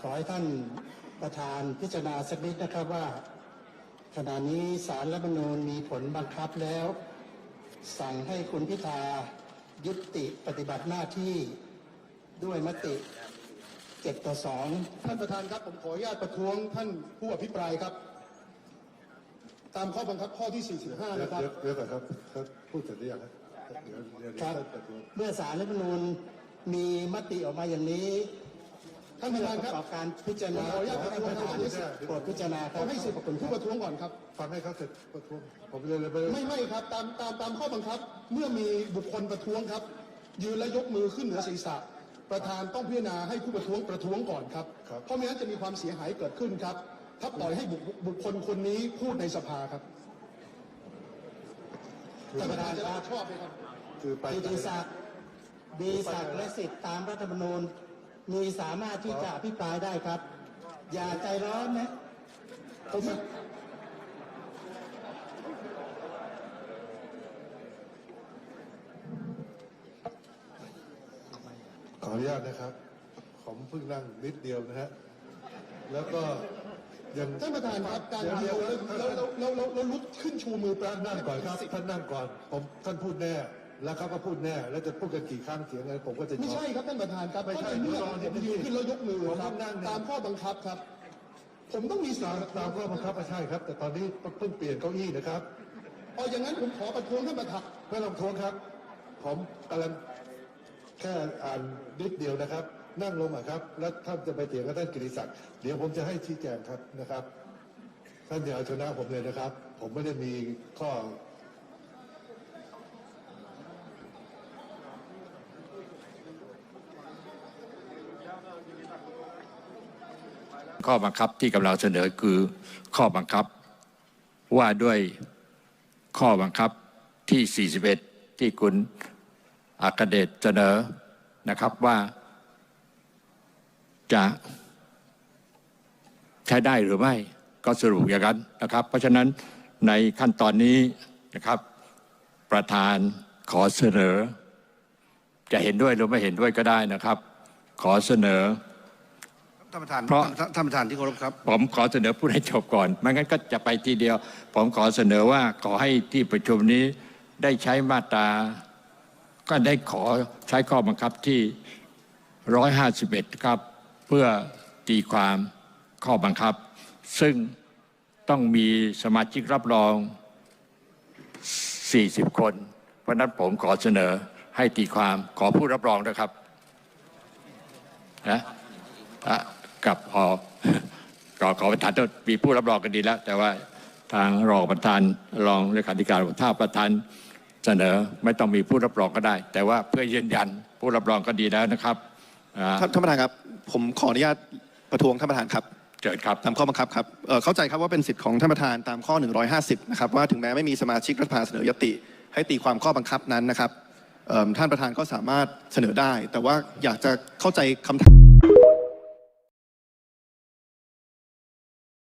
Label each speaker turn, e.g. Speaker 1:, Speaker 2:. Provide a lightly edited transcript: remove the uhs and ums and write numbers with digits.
Speaker 1: ขอให้ท่านประธานพิจารณาสักนิดนะครับว่าขณะนี้ศาลรัฐธรรมนูญมีผลบังคับแล้วสั่งให้คุณพิธายุติปฏิบัติหน้าที่ด้วยมติ7-2ท่านประธานครับผมขออนุญาตประท้วงท่านผู้อภิปรายครับตามข้อบังคับข้อที่45นะครับ
Speaker 2: เดี๋ยวก่อนครับพูดเสร็จหรือยังครับ
Speaker 1: ครับเมื่อศาลรัฐธรรมนูญมีมติออกมาอย่างนี้ท่านประธานครับประกอบการพิจารณาขออนุญาตประท้วงโปรดพิจารณาครับให้สิทธิ์ผู้ประท้วงก่อนครับ
Speaker 2: ฟังให้เขาเสร็จประท้วงผม
Speaker 1: ไม่ครับตามข้อบังคับเมื่อมีบุคคลประท้วงครับยืนและยกมือขึ้นเหนือศีรษะประธานต้องพิจารณาให้ผู้ประท้วงก่อนครับเพราะไม่งั้นจะมีความเสียหายเกิดขึ้นครับถ้าปล่อยให้บุคคลคนนี้พูดในสภาครับท่านประธานจะชอบไหมครับกิติศักดิ์มีศักดิ์และสิทธิ์ตามรัฐธรรมนูญมีสามารถที่จะอภิปรายได้ครับอย่าใจร้อนนะผม
Speaker 2: ขออนุญาตนะครับผมเพิ่งนั่งนิดเดียวนะฮะแล้วก็ยัง
Speaker 1: ท่านประธานครับการเดียวแล้วลุกขึ้นชูมือ
Speaker 2: ท่านนั่งก่อนครับท่านนั่งก่อนท่านพูดแน่แล้วเขาก็พูดแน่แล้วจะพูดกันกี่ครั้งเสียงอะไรผมก็จะ
Speaker 1: ไม่ใช่ครับท่านประธานครับ
Speaker 2: ไม่ใช่
Speaker 1: เมื่อผมยืนขึ้นแล้วยกมือครับตามข้อบังคับครับผมต้องมีสิทธิ์
Speaker 2: ตามข้อบังคับใช่ครับแต่ตอนนี้เพิ่งเปลี่ยนเก้าอี้นะครับ
Speaker 1: อย่างนั้นผมขอประท้วงท่านประธาน
Speaker 2: ไม่ต้องท้วงครับผมกำลังแค่อ่านนิดเดียวนะครับนั่งลงครับแล้วท่านจะไปเถียงกับท่านกิติศักดิ์เดี๋ยวผมจะให้ชี้แจงครับนะครับท่านอย่าเอาชนะผมเลยนะครับผมไม่ได้มี
Speaker 3: ข้อบังคับที่กำลังเสนอคือข้อบังคับว่าด้วยข้อบังคับที่41ที่คุณอัครเดชเสนอนะครับว่าจะใช้ได้หรือไม่ก็สรุปอย่างนั้นนะครับเพราะฉะนั้นในขั้นตอนนี้นะครับประธานขอเสนอจะเห็นด้วยหรือไม่เห็นด้วยก็ได้นะครับขอเสนอ
Speaker 4: ท่านประธานเพราะท่านประธานที่เคารพครับ
Speaker 3: ผมขอเสนอพูดให้จบก่อนไม่งั้นก็จะไปทีเดียวผมขอเสนอว่าขอให้ที่ประชุมนี้ได้ใช้มาตราก็ได้ขอใช้ข้อบังคับที่151ครับเพื่อตีความข้อบังคับซึ่งต้องมีสมาชิกรับรอง40คนเพราะนั้นผมขอเสนอให้ตีความขอผู้รับรองนะครับนะกับขอประธานต้องมีผู้รับรองกันดีแล้วแต่ว่าทางรองประธานรองเลขาธิการถ้าประธานเสนอไม่ต้องมีผู้รับรองก็ได้แต่ว่าเพื่อยืนยันผู้รับรองก็ดีแล้วนะครับ
Speaker 4: ท่านประธานครับผมขออนุญาตประท้วงท่านประธานครับ
Speaker 3: เชิญครับ
Speaker 4: ตามข้อบังคับครับเข้าใจครับว่าเป็นสิทธิ์ของท่านประธานตามข้อ150นะครับว่าถึงแม้ไม่มีสมาชิกรัฐสภาเสนอยติให้ตีความข้อบังคับนั้นนะครับท่านประธานก็สามารถเสนอได้แต่ว่าอยากจะเข้าใจคำถาม